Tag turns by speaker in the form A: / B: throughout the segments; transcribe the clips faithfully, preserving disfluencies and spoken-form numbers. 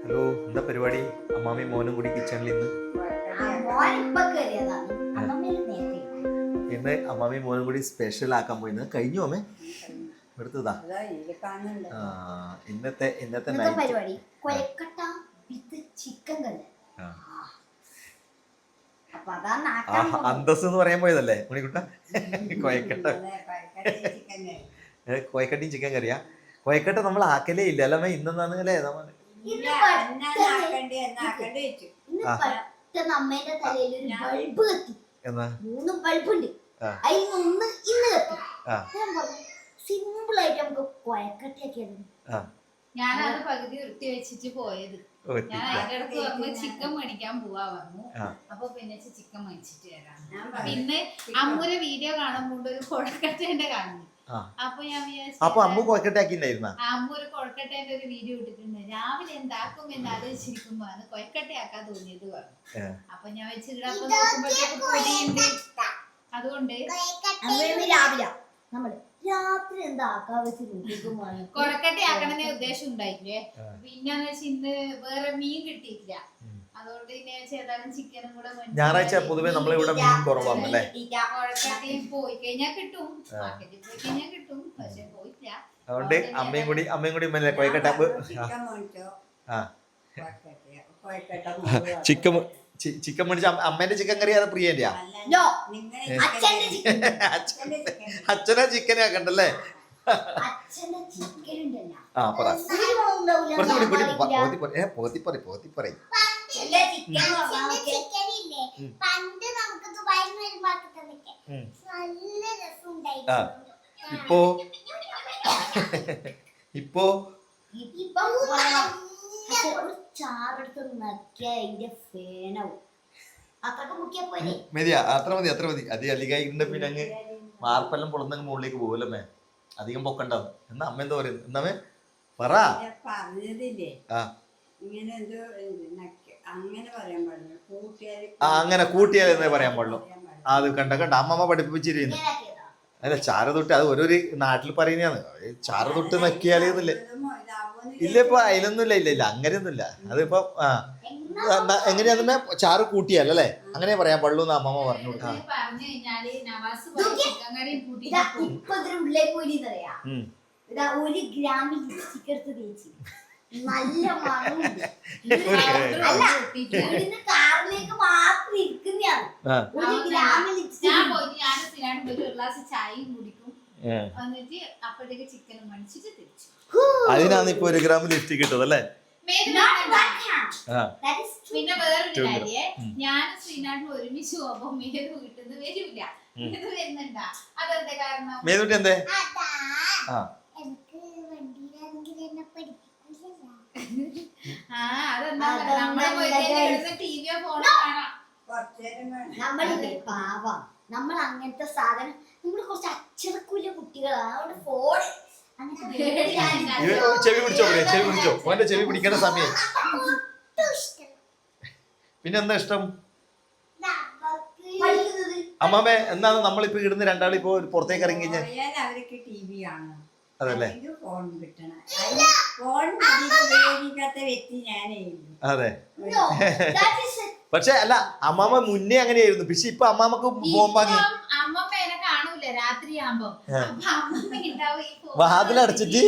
A: Hello, എന്താ പരിപാടി? അമ്മാമയും മോനും കൂടി കിച്ചണിൽ ഇന്ന് ഇന്ന് അമ്മാമയും മോനും കൂടി സ്പെഷ്യൽ ആക്കാൻ പോയി. കഴിഞ്ഞു അമ്മേ എടുത്തതാ. ഇന്നത്തെ ഇന്നത്തെ
B: പരിപാടി ചിക്കൻ കറി.
A: അന്തസ് എന്ന് പറയാൻ പോയതല്ലേ മണിക്കുട്ട? കോയക്കട്ട കോയക്കട്ടിയും ചിക്കൻ കറിയാ. കോയക്കട്ട നമ്മൾ ആക്കലേ ഇല്ല അല്ലേ ഇന്നെന്നാണ് അല്ലേ? നമ്മൾ
B: അമ്മേന്റെ തലയിൽ ഒരു ബൾബ് കത്തി. മൂന്ന് ബൾബുണ്ട്, അതിൽ ഒന്ന് ഇന്ന് കത്തി. സിമ്പിൾ ആയിട്ട് നമുക്ക് കൊയക്കട്ടയാക്കിയത്.
C: ഞാനത് പകുതി വൃത്തി വെച്ചിട്ട് പോയത്. ഞാൻ അതിന്റെ അടുത്ത് പറഞ്ഞു ചിക്കൻ മേടിക്കാൻ പോവാ പറഞ്ഞു. അപ്പൊ പിന്നെ ചിക്കൻ മേടിച്ചിട്ട് വരാം. പിന്നെ അമ്മൂരെ വീഡിയോ കാണുമ്പോൾ ഒരു കൊഴക്കട്ടേന്റെ കാണുന്നു. അപ്പൊ ഞാൻ
A: അപ്പൊ അമ്മു കൊഴക്കട്ടയാക്കിണ്ടായിരുന്ന
C: അമ്മ ഒരു കൊഴക്കട്ടേന്റെ ഒരു വീഡിയോ ഇട്ടിട്ടുണ്ട്. രാവിലെ എന്താക്കും എന്ന് ആലോചിച്ചിരിക്കുമ്പോ അത് കൊഴക്കട്ടയാക്കാൻ തോന്നിയത് പറഞ്ഞു. അപ്പൊ ഞാൻ വെച്ചിട്ട് അപ്പൊ നോക്കുമ്പോഴത്തേക്ക് പൊടിയുണ്ട്. അതുകൊണ്ട്
B: രാവിലെ നമ്മള് രാത്രി എന്താക്കാൻ വെച്ച് നോക്കിക്കുമ്പോ
C: കൊഴക്കട്ടയാക്കണമെന്നേ ഉദ്ദേശം ഉണ്ടായില്ലേ. പിന്നെന്ന് വെച്ചാൽ ഇന്ന് വേറെ മീൻ കിട്ടിയിട്ടില്ല. അതുകൊണ്ട് ഏതായാലും ചിക്കനും കൂടെ
A: ഞായറാഴ്ച പൊതുവെ നമ്മളിവിടെ മീൻ കുറവാണ് അല്ലേ?
C: കൊഴക്കട്ടയും പോയി കഴിഞ്ഞാൽ കിട്ടും, മാർക്കറ്റിൽ പോയി കഴിഞ്ഞാൽ കിട്ടും, പക്ഷെ പോയിട്ടില്ല.
A: അതുകൊണ്ട് അമ്മയും കൂടി അമ്മയും കൂടി കൊയക്കട്ട ചിക്കൻ ചിക്കൻ മേടിച്ച അമ്മേന്റെ ചിക്കൻ കറി അത് പ്രിയന്റെയാ? അച്ഛനാ ചിക്കൻ ആക്കണ്ടല്ലേ? ആ പറ കുറച്ചുകൂടി കൂടി പോത്തി പറ പോത്തി പറയും. ഇപ്പോ ഇപ്പോ
B: ചാറെടുത്ത് നക്കിയ അതിന്റെ ഫേനാവും.
A: മതിയാ, അത്ര മതി അത്ര മതി. അത് അധികമായിട്ടുണ്ട് പിന്നെ അങ്ങ് വാർപ്പെല്ലാം പൊളന്നങ്ങ് മുകളിലേക്ക് പോകലമ്മേ. അധികം പൊക്കണ്ടാവും. എന്നാ അമ്മ എന്താ പറയുന്നത്? എന്നാമേ പറ. അങ്ങനെ കൂട്ടിയാലെന്നേ പറയാൻ പാടുള്ളൂ. അത് കണ്ട കണ്ട അമ്മമ്മ പഠിപ്പിച്ചിരുന്നു. അല്ല ചാര തൊട്ട് അത് ഓരോരു നാട്ടിൽ പറയുന്നതാണ്. ചാര തൊട്ട് നക്കിയാലെന്നില്ലേ? ഇല്ല ഇപ്പൊ അതിലൊന്നുമില്ല. ഇല്ല ഇല്ല അങ്ങനെയൊന്നുമില്ല. അതിപ്പോ ആ എങ്ങനെയാ ചാറ് കൂട്ടിയാലല്ലേ അങ്ങനെ പറയാൻ പാടുള്ളൂ എന്ന് അമ്മമ്മ പറഞ്ഞു കൊടുക്കാം.
B: ഒരു ഗ്രാമിൽ ലിപ്സ്റ്റിക് എടുത്ത് തേച്ച് നല്ല മണമുണ്ട്. കാറിലേക്ക് മാത്രം ഇരിക്കുന്നതാണ്. ഒരു ഗ്രാമിൽ ലിപ്സ്റ്റിക്
C: ഒരു ഗ്ലാസ് ചായയും കുടിക്കും. എന്നിട്ട് അപ്പോഴത്തേക്ക് ചിക്കനും മേടിച്ചിട്ട് തിരിച്ചു.
A: അതിനാണ് ഇപ്പൊ ഒരു ഗ്രാം ലിപ്സ്റ്റിക് കിട്ടത് അല്ലേ?
C: പിന്നെ വേറൊരു കാര്യേ, ഞാനും ശ്രീനാഥിനും ഒരുമിച്ച് പോകുമ്പോ മേതു കിട്ടുന്നത് വരില്ല. ഇത് വരുന്നുണ്ടാ? അതെന്താ കാരണം?
A: മേതുട്ടി എന്തേ?
C: ആ അതെന്താ നമ്മളെ ടിവിയോ ഫോണോ കാണാം.
B: നമ്മളില്ലേ പാവ, നമ്മൾ അങ്ങനത്തെ സാധനം നമ്മള് കുറച്ച് അച്ചടക്കൂല കുട്ടികളാണ്. അതുകൊണ്ട് ഫോൺ
A: ചെവി പിടിച്ചോ ചെവി പിടിച്ചോ ഓന്റെ ചെവി പിടിക്കേണ്ട സമയം. പിന്നെ എന്താ ഇഷ്ടം അമ്മാമേ? എന്താണ് നമ്മളിപ്പോ ഇടുന്ന രണ്ടാളിപ്പോ പുറത്തേക്ക് ഇറങ്ങി കഴിഞ്ഞാൽ അതല്ലേ? അതെ. പക്ഷെ അല്ല അമ്മാമ മുന്നേ അങ്ങനെയായിരുന്നു. പക്ഷെ ഇപ്പൊ അമ്മാമക്ക് പോകുമ്പോ വാതിലടച്ചിട്ട്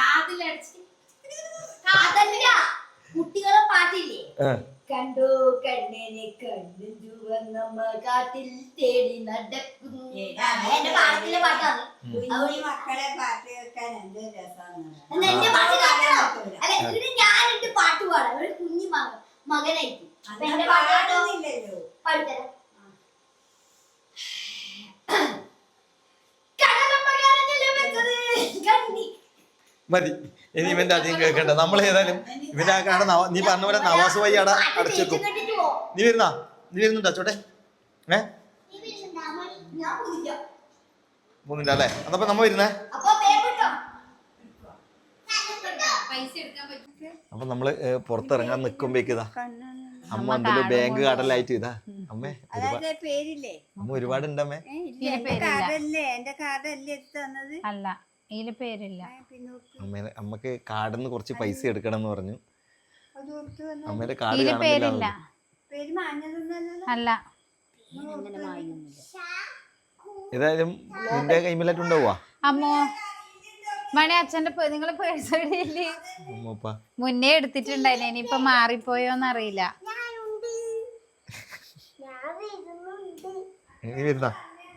B: കുട്ടികളെ പാട്ടില്ലേ? കണ്ടു കണ്ണനെ കണ്ടു ചുവന്നമ്മ കാട്ടിൽ തേടി നടക്കുന്നു. എന്റെ പാട്ടിലെ പാട്ടാണ്.
D: മക്കളെ പാട്ട് കേൾക്കാൻ എന്ത് രസമാണ്.
B: എന്റെ പാട്ട് കേൾക്കണോ? അല്ല ഇത് ഞാനിട്ട് പാട്ട് പാടാം. ഒരു കുഞ്ഞു മകനായിട്ട് എന്റെ പാട്ടൊന്നുമില്ലല്ലോ. പാടിത്തരാം.
A: മതി. ഇനി ഇവന്റെ അധികം കേൾക്കണ്ട. നമ്മൾ ഏതായാലും ഇവന്റെ ആ കാണുന്ന നീ പറഞ്ഞ പോലെ നവാസ് വഴി അട അടച്ചേക്കും. നീ വരുന്നാ? നീ വരുന്നുണ്ടോ ചോട്ടെ? ഏ മൂന്നില്ല അല്ലേ? അതപ്പോ നമ്മ വരുന്നേ. അപ്പൊ നമ്മള് പുറത്തിറങ്ങാൻ നിക്കുമ്പോഴേക്ക് ഇതാ അമ്മ എന്തെങ്കിലും ബാങ്ക് കടലായിട്ട് ഇതാ അമ്മേ അമ്മ ഒരുപാടുണ്ടമ്മേ.
C: അല്ല ഇതില് പേരില്ല.
A: അമ്മ അമ്മക്ക് കാർഡിന്ന് കുറച്ച് പൈസ എടുക്കണം എന്ന് പറഞ്ഞു.
D: അത് കൊടുത്തു വന്നു.
A: അമ്മേന്റെ കാർഡ്
C: ഇതില് പേരില്ല.
A: കാണുന്നില്ല.
D: പേര് മാഞ്ഞതൊന്നല്ലല്ലോ.
C: അല്ല
B: അങ്ങനെ മായൊന്നുമില്ല.
A: ഏതായാലും നിന്റെ കൈമലായിട്ട് ഉണ്ടാവുക
C: അമ്മോ മണി അച്ഛന്റെ നിങ്ങളെ പേഴ്സ് എവിടെയില്ലേ?
A: അമ്മപ്പ
C: മുന്നേ എടുത്തിട്ടുണ്ടായില്ലേ, ഇനിയിപ്പൊ മാറിപ്പോയോന്നറിയില്ല.
A: ഇനി വരുന്ന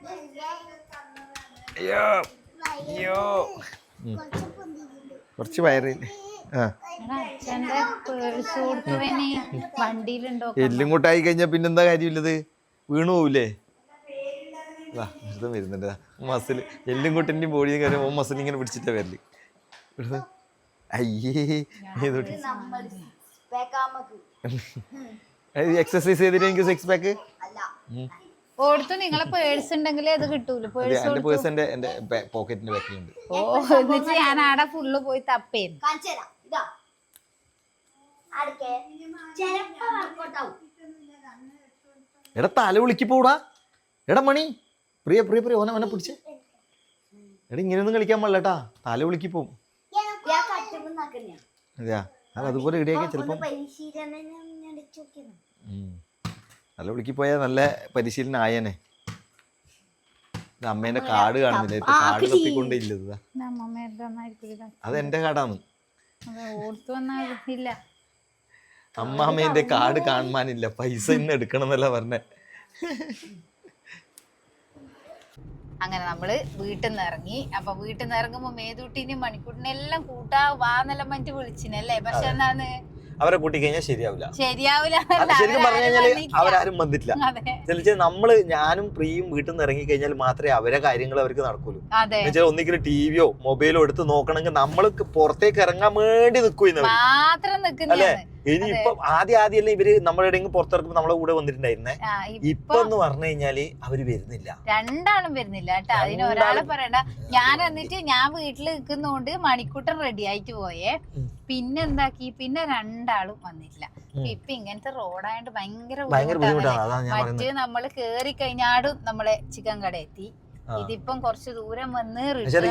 A: അയ്യോ അയ്യോ കുറച്ച് വയറില്ലേ ആ
C: അച്ഛന്റെ പേഴ്സ് കൊടുത്തവന് വണ്ടിയിലുണ്ടോ?
A: എല്ലും കൂട്ടായി കഴിഞ്ഞാൽ പിന്നെന്താ കാര്യമില്ലത്, വീണു പോവില്ലേ? വെറുതെ വരുന്നുണ്ട് മസിൽ എല്ലും കൂട്ടിൻ്റെയും ബോഡിയും കാര്യം ഓ മസിൽ ഇങ്ങനെ പിടിച്ചിട്ടാ വരല്. അയ്യേ ഏതോട്ട് എക്സസൈസ് ചെയ്തിട്ട് എനിക്ക് സിക്സ് പാക്ക്
C: ഓടുത്തു. നിങ്ങളെ പേഴ്സ് ഉണ്ടെങ്കിലേ അത് കിട്ടൂല. പേഴ്സ്
A: എന്റെ പേഴ്സ് എന്റെ എന്റെ പോക്കറ്റിന്റെ ബാക്കിലുണ്ട്.
C: ഓ എന്നിട്ട് ഞാൻ ആടെ ഫുള്ള് പോയി തപ്പേന്നു.
B: കാണിച്ചു തരാം. ഇതാ അടുക്കെ ചിലപ്പോ വർക്കൗട്ട് ആവും.
A: എടാ തല വിളിക്ക് പോടാ. എടാ മണി പ്രിയ പ്രിയ പ്രിയ ഓനെ ഓനെ പിടിച്ച്. എടാ ഇങ്ങനെയൊന്നും കളിക്കാൻ പാടില്ല കേട്ടാ, തല വിളിക്ക് പോവും.
B: ഞാൻ കട്ടുമ്പോ നോക്കുന്നയാ.
A: അതെയാ അത് അതുപോലെ ഇടിയൊക്കെ ചിലപ്പം
B: പരിശീലനം ഞാൻ അടിച്ചു നോക്കിയതാ.
A: നല്ല വിളിക്ക് പോയാൽ നല്ല പരിശീലനം ആയേനെ. ഇത് അമ്മേന്റെ കാർഡ് കാണുന്നില്ല, കാർഡ് തപ്പിക്കൊണ്ടില്ലത്. അത് എന്റെ കാർഡാണ്.
C: ഓർത്തു വന്നാ ഇല്ല.
A: അമ്മാമ്മേന്റെ കാർഡ് കാണാനില്ല, പൈസ ഇന്ന് എടുക്കണം എന്നല്ല പറഞ്ഞേ.
C: അങ്ങനെ നമ്മള് വീട്ടിൽ നിന്ന് ഇറങ്ങി. അപ്പൊ വീട്ടിൽ നിന്ന് ഇറങ്ങുമ്പോ മേതൂട്ടിനെയും മണിക്കൂട്ടിനെ എല്ലാം കൂട്ടാ വാന്നെല്ലാം മറ്റു വിളിച്ചിനല്ലേ. പക്ഷെ എന്നാന്ന്
A: അവരെ കൂട്ടി കഴിഞ്ഞാൽ ശരിയാവില്ല.
C: ശരിയാവില്ല.
A: ശരിക്കും പറഞ്ഞു കഴിഞ്ഞാല് അവരാരും വന്നിട്ടില്ല. ചില നമ്മള് ഞാനും പ്രിയും വീട്ടിൽ നിന്ന് ഇറങ്ങി കഴിഞ്ഞാൽ മാത്രമേ അവരെ കാര്യങ്ങൾ അവർക്ക് നടക്കൂലൂ. എന്നുവെച്ചാൽ ഒന്നിക്കലും ടിവിയോ മൊബൈലോ എടുത്ത് നോക്കണമെങ്കിൽ നമ്മള് പുറത്തേക്ക് ഇറങ്ങാൻ വേണ്ടി നിൽക്കും അല്ലേ. ഇനി ഇപ്പൊ ആദ്യം ആദ്യമല്ലേ ഇവര് നമ്മുടെ പുറത്തിറക്കുമ്പോ നമ്മളെ കൂടെ വന്നിട്ടുണ്ടായിരുന്നേ. ഇപ്പൊ എന്ന് പറഞ്ഞു കഴിഞ്ഞാല് അവര് വരുന്നില്ല,
C: രണ്ടാളും വരുന്നില്ല കേട്ടോ. അതിന് ഒരാളെ പറയണ്ട. ഞാൻ എന്നിട്ട് ഞാൻ വീട്ടിൽ നിൽക്കുന്നോണ്ട് മണിക്കൂട്ടൻ റെഡി ആയിട്ട് പോയേ. പിന്നെ എന്താക്കി, പിന്നെ രണ്ടാളും വന്നിട്ടില്ല. ഇപ്പൊ ഇങ്ങനത്തെ റോഡായോണ്ട് ഭയങ്കര ബുദ്ധിമുട്ടാണ്. മറ്റേ നമ്മള് കേറി കഴിഞ്ഞാടും നമ്മളെ ചിക്കൻ കട എത്തി. ഇതിപ്പം കുറച്ച് ദൂരം വന്ന്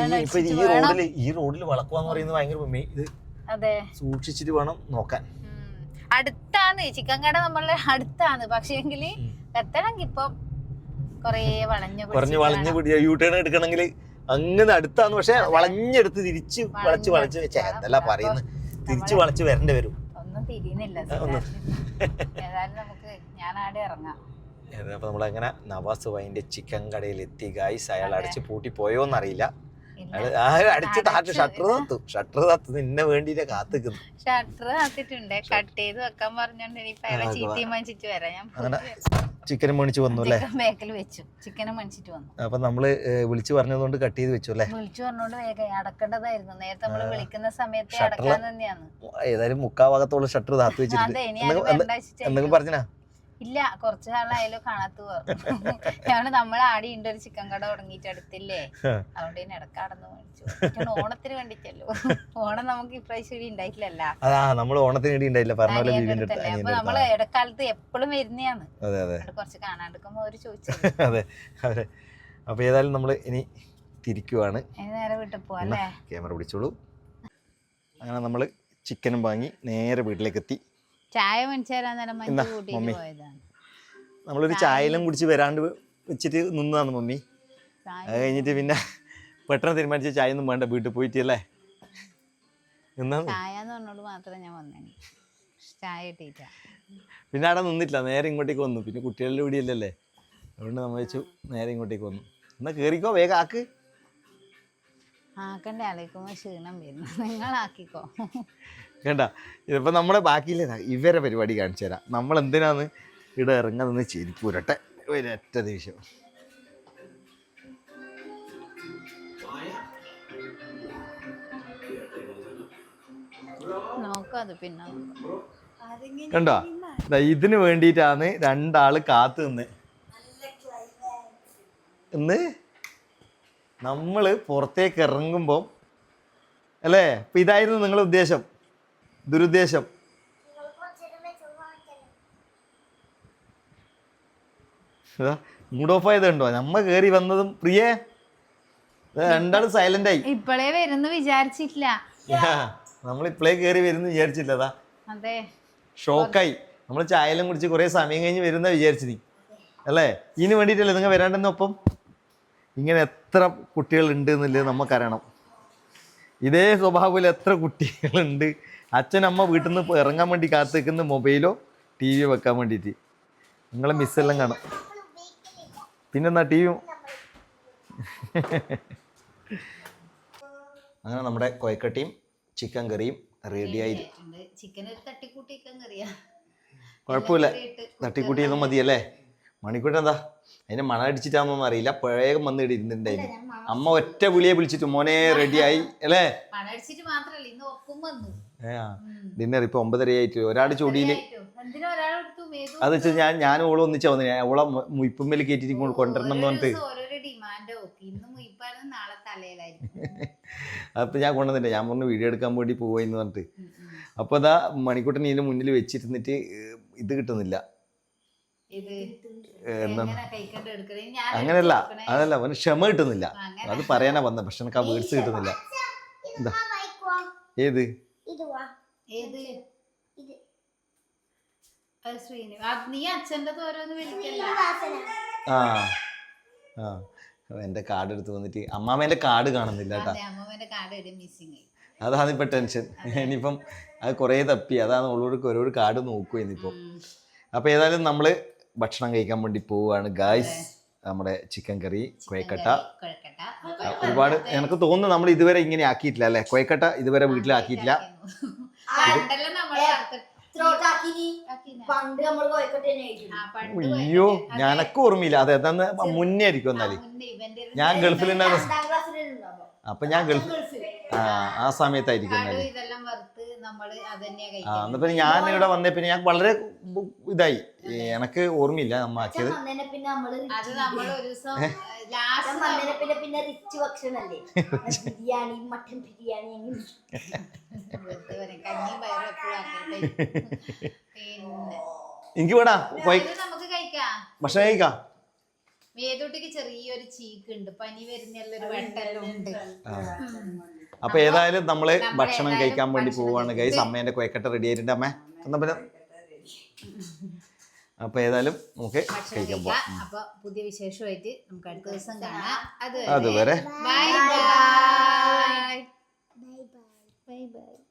A: ഈ റോഡിൽ വളക്കുവാന്ന് പറയുന്നത് ഭയങ്കര
C: അതെ
A: സൂക്ഷിച്ചിട്ട് വേണം നോക്കാൻ.
C: അടുത്താണ് ചിക്കൻ കട നമ്മളെ അടുത്താണ്. പക്ഷേ എങ്കില് എത്തണമെങ്കിൽ ഇപ്പം കൊറേ വളഞ്ഞു
A: കുറഞ്ഞ് വളഞ്ഞു പിടിച്ച യൂ ടേൺ എടുക്കണമെങ്കിൽ അങ്ങനെ അടുത്താണ്. പക്ഷെ വളഞ്ഞെടുത്ത് തിരിച്ച് വളച്ച് വളച്ച് എന്തെല്ലാം പറയുന്നത്, തിരിച്ചു വളച്ച് വരേണ്ടി വരും.
C: ഒന്നും തിരിയുന്നില്ല. ഏതായാലും നമുക്ക് ഞാൻ ആടെ ഇറങ്ങാം.
A: അപ്പൊ നമ്മളങ്ങനെ നവാസ് വൈൻ്റെ ചിക്കൻ കടയിൽ എത്തി ഗായ്സ്. അയാൾ അടിച്ച് പൂട്ടി പോയോന്നറിയില്ല. അടിച്ച് താറ്റ് ഷട്ടർ തത്തു ഷട്ടർ തത്തു നിന്നെ വേണ്ടിട്ട് കാത്തിക്കുന്നു.
C: ഷട്ടർ താത്തിട്ടുണ്ട്. കട്ട് ചെയ്ത് വെക്കാൻ പറഞ്ഞോണ്ട് ഇനിയിപ്പൊ അയാളെ ചീത്തയും മണിച്ചിട്ട് വരാം. ഞാൻ
A: അങ്ങനെ ചിക്കനും മേടിച്ച് വന്നു അല്ലേ,
C: ബേക്കിൽ വെച്ചു. ചിക്കനും മണിച്ചിട്ട് വന്നു.
A: അപ്പൊ നമ്മള് വിളിച്ചു പറഞ്ഞതുകൊണ്ട് കട്ട് ചെയ്ത് വെച്ചു അല്ലേ.
C: വിളിച്ചു പറഞ്ഞോണ്ട് വേഗം അടക്കേണ്ടതായിരുന്നു. നേരത്തെ നമ്മള് വിളിക്കുന്ന സമയത്ത് അടക്കാൻ തന്നെയാണ്.
A: ഏതായാലും മുക്കാ ഭാഗത്തോളം ഷട്ടർ താത്തു വെച്ചിട്ട് എന്തെങ്കിലും പറഞ്ഞാ
C: ഇല്ല. കുറച്ചു നാളായാലും കാണാത്ത പറഞ്ഞു. ഞാൻ നമ്മൾ ആടി ഉണ്ട് ഒരു ചിക്കൻ കട തുടങ്ങിയിട്ട് അടുത്തില്ലേ, അതുകൊണ്ട് തന്നെ ഇടക്കാടന്ന് മേടിച്ചു. ഓണത്തിന് വേണ്ടിട്ടല്ലോ. ഓണം നമുക്ക് ഇപ്രാവശ്യം ഉണ്ടായിട്ടില്ലല്ല.
A: നമ്മള് ഓണത്തിന് വേണ്ടി ഉണ്ടായില്ല പറഞ്ഞ പോലെ.
C: അപ്പൊ നമ്മള് ഇടക്കാലത്ത് എപ്പോഴും വരുന്നതാണ്. കുറച്ച് കാണാണ്ടിരിക്കുമ്പോ അവര് ചോദിച്ചു.
A: അതെ അതെ. അപ്പൊ ഏതായാലും നമ്മള് ഇനി തിരിക്കുവാണ്.
C: നേരെ വീട്ടിൽ പോവാല്ലേ.
A: ക്യാമറ പിടിച്ചോളൂ. അങ്ങനെ നമ്മള് ചിക്കനും വാങ്ങി നേരെ വീട്ടിലേക്ക് എത്തി.
C: ചായ മമ്മി
A: നമ്മളൊരു ചായയെല്ലാം കുടിച്ച് വരാണ്ട് വെച്ചിട്ട് നിന്നതാണ് മമ്മി. അത് കഴിഞ്ഞിട്ട് പിന്നെ പെട്ടെന്ന് തീരുമാനിച്ച ചായ ഒന്നും വേണ്ട, വീട്ടിൽ പോയിട്ട് അല്ലേ പിന്നെ അവിടെ നിന്നിട്ടില്ല, നേരെ ഇങ്ങോട്ടേക്ക് വന്നു. പിന്നെ കുട്ടികളുടെ കൂടിയല്ലേ, അതുകൊണ്ട് നമ്മൾ വെച്ചു നേരെ ഇങ്ങോട്ടേക്ക് വന്നു. എന്നാ കേറിക്കോ, വേഗം ആക്ക്.
C: ആക്കണ്ടേ, ആലോചിക്കുമ്പോ ക്ഷീണം വരുന്നു. നിങ്ങളാക്കിക്കോ.
A: കേട്ടാ, ഇതിപ്പോൾ നമ്മുടെ ബാക്കിയില്ല ഇവരെ പരിപാടി കാണിച്ചു തരാം. നമ്മൾ എന്തിനാന്ന് ഇവിടെ ഇറങ്ങാന്ന് ചെരിപ്പൂരട്ടെ ഒരൊറ്റ ദേഷ്യം. കണ്ടോ, ഇതിന് വേണ്ടിയിട്ടാണ് രണ്ടാള് കാത്തു നിന്ന് ഇന്ന് നമ്മള് പുറത്തേക്ക് ഇറങ്ങുമ്പം അല്ലേ. ഇപ്പം ഇതായിരുന്നു നിങ്ങളുടെ ഉദ്ദേശം, ദുരുദ്ദേശം. മൂഡ് ഓഫ് ആയത് കണ്ടോ, നമ്മ കേറി വന്നതും പ്രിയേ രണ്ടാളും സൈലന്റ് ആയി.
C: ഇപ്പോഴേ വരുന്നു വിചാരിച്ചിട്ടില്ല,
A: നമ്മൾ ഇപ്പോഴേ കേറി വരുന്നു വിചാരിച്ചില്ലതാ.
C: അതെ.
A: ഷോക്കായി. നമ്മൾ ചായയെല്ലാം കുടിച്ച് കുറേ സമയം കഴിഞ്ഞ് വരുന്ന വിചാരിച്ചു നീ അല്ലേ? ഇതിന് വേണ്ടിയിട്ടല്ലേ നിങ്ങൾ വരാണ്ടെന്നൊപ്പം? ഇങ്ങനെ എത്ര കുട്ടികളുണ്ട് എന്നുള്ളത് നമുക്കറിയണം. ഇതേ സ്വഭാവത്തിൽ എത്ര കുട്ടികളുണ്ട്. അച്ഛനമ്മ വീട്ടിൽ നിന്ന് ഇറങ്ങാൻ വേണ്ടി കാത്തു നിൽക്കുന്ന മൊബൈലോ ടി വിയോ വെക്കാൻ വേണ്ടിയിട്ട്. നിങ്ങളെ മിസ്സെല്ലാം കാണാം. പിന്നെന്നാ ടി വിയും. അങ്ങനെ നമ്മുടെ കൊയക്കട്ടിയും ചിക്കൻ കറിയും റെഡിയായി.
C: ചിക്കൻ ഒരു തട്ടിക്കൂട്ടി ചിക്കൻ കറിയാ,
A: കുഴപ്പമില്ല. തട്ടിക്കൂട്ടിയൊന്നും മതിയല്ലേ? മണിക്കൂട്ടൻ എന്താ അതിന്റെ മണം അടിച്ചിട്ടാണെന്നൊന്നും അറിയില്ല. വേഗം വന്ന് ഇവിടെ ഇരുന്നിട്ടുണ്ടായിരുന്നു. അമ്മ ഒറ്റ വിളിയെ വിളിച്ചിട്ട് മോനെ റെഡിയായി അല്ലേ?
C: മണടിച്ചിട്ട് മാത്രല്ല ഇന്ന് ഒപ്പം വന്നു.
A: ഡിന്നർ ഇപ്പൊ ഒമ്പതരയായിട്ട് ഒരാട് ചൊടിയില്. അത് വെച്ചാൽ ഞാൻ ഞാൻ ഓള് ഒന്നിച്ചാ വന്നു. ഞാൻ ഓളെ മുയിപ്പമ്മേൽ കയറ്റിട്ട് ഇങ്ങോട്ട് കൊണ്ടുവരണം എന്ന് പറഞ്ഞിട്ട് അപ്പൊ ഞാൻ കൊണ്ടുവന്നില്ല. ഞാൻ പറഞ്ഞു വീഡിയോ എടുക്കാൻ വേണ്ടി പോവാന്ന് പറഞ്ഞിട്ട്. അപ്പൊ അതാ മണിക്കൂട്ടൻ ഇതിന്റെ മുന്നിൽ വെച്ചിരുന്നിട്ട് ഇത് കിട്ടുന്നില്ല. അങ്ങനെയല്ല, അതല്ല അവന് ക്ഷമ കിട്ടുന്നില്ല. അത് പറയാനാ വന്ന. പക്ഷെ എനിക്ക് ആ വേർഡ്സ് കിട്ടുന്നില്ല. എന്താ ഏത് ആ ആ എന്റെ കാർഡ് എടുത്ത് വന്നിട്ട് അമ്മാമേന്റെ കാർഡ് കാണുന്നില്ല കേട്ടാ. അതാണ് ഇപ്പൊ ടെൻഷൻ. ഇനിയിപ്പം അത് കുറേ തപ്പി. അതാണ് ഓളോട് ഓരോ കാർഡ് നോക്കുക ഇനിയിപ്പം. അപ്പൊ ഏതായാലും നമ്മള് ഭക്ഷണം കഴിക്കാൻ വേണ്ടി പോവുകയാണ് ഗായ്സ്. നമ്മുടെ ചിക്കൻ കറി, കൊയക്കട്ട. ഒരുപാട് എനിക്ക് തോന്നുന്നു നമ്മൾ ഇതുവരെ ഇങ്ങനെ ആക്കിയിട്ടില്ല അല്ലെ? കൊയക്കട്ട ഇതുവരെ വീട്ടിലാക്കിയിട്ടില്ല. അയ്യോ ഞാനൊക്കെ ഓർമ്മയില്ല. അത് ഏതാന്ന് മുന്നേ ആയിരിക്കും. എന്നാല് ഞാൻ ഗൾഫിലുണ്ടായിരുന്നു. അപ്പൊ ഞാൻ ഗൾഫ് ആ ആ സമയത്തായിരിക്കും. എന്നാല് ആ എന്നാ പിന്നെ ഞാൻ ഇവിടെ വന്നേ പിന്നെ ഞാൻ വളരെ ഇതായി. എനക്ക് ഓർമ്മയില്ല നമ്മ ആക്കിയത്. എനിക്ക് വേടാ ഭക്ഷണം കഴിക്കാം.
C: മേതൂട്ടിക്ക് ചെറിയൊരു ചീക്ക് ഉണ്ട്, പനി വരുന്നൊരു വെട്ടെല്ലാം ഉണ്ട്.
A: അപ്പൊ ഏതായാലും നമ്മള് ഭക്ഷണം കഴിക്കാൻ വേണ്ടി പോവാണ് ഗൈസ്. അമ്മേന്റെ കൊയക്കട്ട റെഡി ആയിട്ടുണ്ട്. അമ്മ എന്നാ പിന്നെ അപ്പൊ ഏതായാലും നമുക്ക് കഴിക്കാൻ പോവാം.
C: അപ്പൊ പുതിയ വിശേഷമായിട്ട് നമുക്ക് അടുത്ത ദിവസം കാണാം.
A: അതുവരെ
C: ബൈ ബൈ ബൈ ബൈ.